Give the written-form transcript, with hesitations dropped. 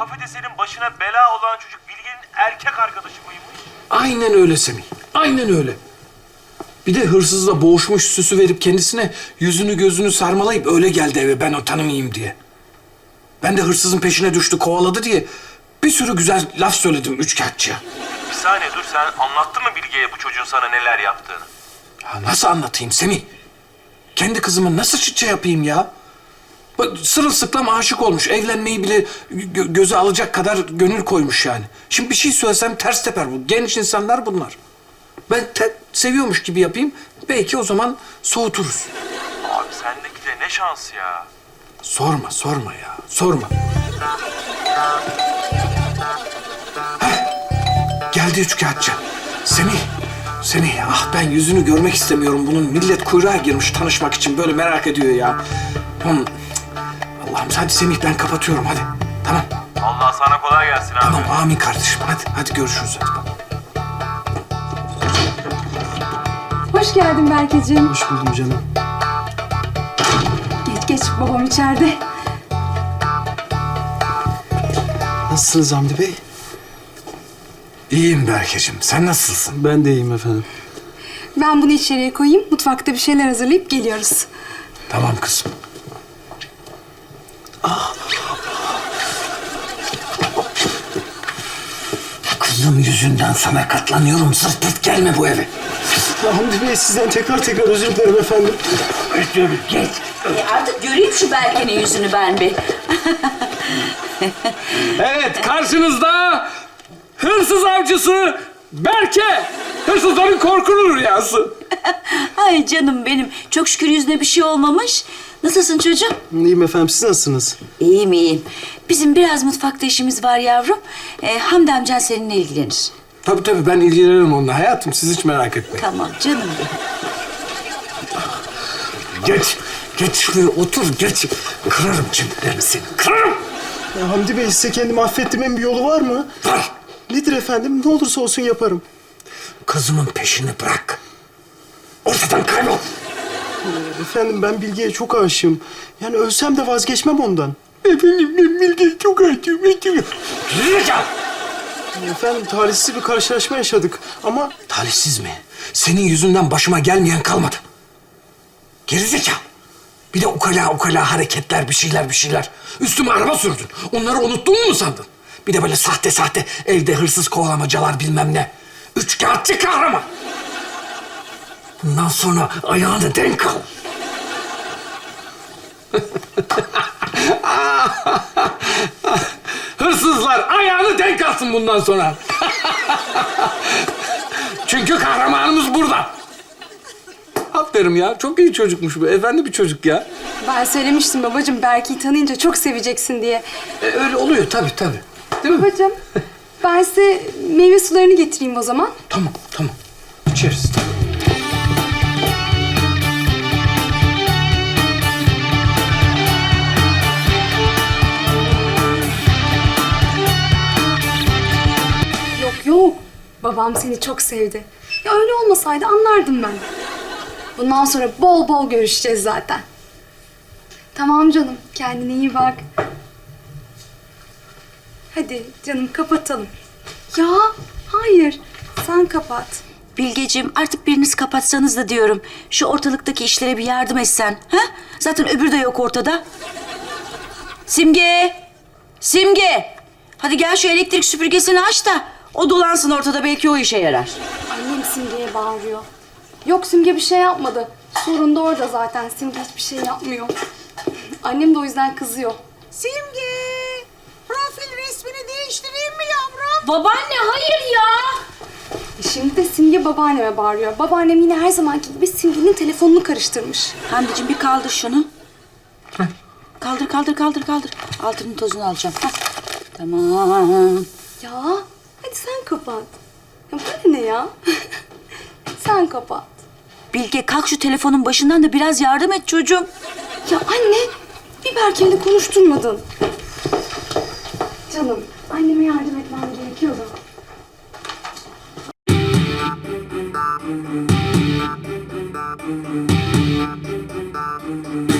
kafeteryanın başına bela olan çocuk Bilge'nin erkek arkadaşı mıymış? Aynen öyle Semih. Aynen öyle. Bir de hırsızla boğuşmuş süsü verip kendisine yüzünü gözünü sarmalayıp öyle geldi eve ben o tanımayayım diye. Ben de hırsızın peşine düştü kovaladı diye bir sürü güzel laf söyledim üçkağıtçıya. Bir saniye dur, sen anlattın mı Bilge'ye bu çocuğun sana neler yaptığını? Ya nasıl anlatayım Semih? Kendi kızımı nasıl çıtça yapayım ya? Bak, sırılsıklam aşık olmuş. Evlenmeyi bile göze alacak kadar gönül koymuş yani. Şimdi bir şey söylesem ters teper bu. Genç insanlar bunlar. Ben seviyormuş gibi yapayım. Belki o zaman soğuturuz. Abi sendeki de ne şans ya. Sorma ya. Sorma. Geldi üçkağıtçı. Semih, ah ben yüzünü görmek istemiyorum bunun. Millet kuyruğa girmiş tanışmak için böyle merak ediyor ya. Allah'ım hadi Semih ben kapatıyorum hadi. Tamam. Allah sana kolay gelsin abi. Tamam amin kardeşim hadi görüşürüz hadi. Hoş geldin Berkeciğim. Hoş buldum canım. Geç babam içeride. Nasılsınız Hamdi Bey? İyiyim Berkeciğim. Sen nasılsın? Ben de iyiyim efendim. Ben bunu içeriye koyayım. Mutfakta bir şeyler hazırlayıp geliyoruz. Tamam kızım. Kızım yüzünden sana katlanıyorum. Sırt pırt gelme bu eve. Hamdi Bey sizden tekrar özür dilerim efendim. Geç. Artık göreyim şu Berke'nin yüzünü ben bir. Evet karşınızda hırsız avcısı Berke. Hırsızların korkulu rüyası. Ay canım benim. Çok şükür yüzüne bir şey olmamış. Nasılsın çocuğum? İyiyim efendim, siz nasılsınız? İyiyim. Bizim biraz mutfakta işimiz var yavrum. Hamdi amcan seninle ilgilenir. Tabii ben ilgilenirim onunla hayatım. Siz hiç merak etmeyin. Tamam canım. Geç şuraya otur geç. Kırarım çimdiklerini seni. Kırarım. Ya Hamdi Bey size kendimi affettirmemin bir yolu var mı? Var. Nedir efendim? Ne olursa olsun yaparım. Kızımın peşini bırak. Ortadan kaybol. Efendim ben Bilge'ye çok aşığım. Yani ölsem de vazgeçmem ondan. Efendim ben Bilge'ye çok aşığım. Zekalı. Efendim talihsiz bir karşılaşma yaşadık ama... Talihsiz mi? Senin yüzünden başıma gelmeyen kalmadı. Gerizekalı. Bir de ukala hareketler, bir şeyler. Üstüme araba sürdün. Onları unuttun mu sandın? Bir de böyle sahte evde hırsız kovalamacalar bilmem ne. Üçkağıtçı kahraman. Bundan sonra ayağını denk al. Hırsızlar ayağını denk alsın bundan sonra. Çünkü kahramanımız burada. Aferin ya. Çok iyi çocukmuş bu. Efendi bir çocuk ya. Ben söylemiştim babacığım, Berke'yi tanıyınca çok seveceksin diye. Öyle oluyor tabii. Değil mi? Babacığım, ben size meyve sularını getireyim o zaman. Tamam. İçeriz tamam. Yok. Babam seni çok sevdi. Ya öyle olmasaydı anlardım ben. Bundan sonra bol bol görüşeceğiz zaten. Tamam canım, kendine iyi bak. Hadi canım kapatalım. Ya hayır, sen kapat. Bilgeciğim artık biriniz kapatsanız da diyorum. Şu ortalıktaki işlere bir yardım etsen. Ha? Zaten öbürü de yok ortada. Simge! Hadi gel şu elektrik süpürgesini aç da o dolansın ortada, belki o işe yarar. Annem Simge'ye bağırıyor. Yok, Simge bir şey yapmadı. Sorun da orada zaten. Simge hiçbir şey yapmıyor. Annem de o yüzden kızıyor. Simge, profil resmini değiştireyim mi yavrum? Babaanne hayır ya. Şimdi de Simge babaanneme bağırıyor. Babaannem yine her zamanki gibi Simge'nin telefonunu karıştırmış. Hamdiciğim bir kaldır şunu. Kaldır. Altının tozunu alacağım. Hah. Tamam. Ya hadi sen kapat. Ya bana ne ya? Sen kapat. Bilge kalk şu telefonun başından da biraz yardım et çocuğum. Ya anne, bir Berke'yle konuşturmadın. Canım, anneme yardım etmem gerekiyor da.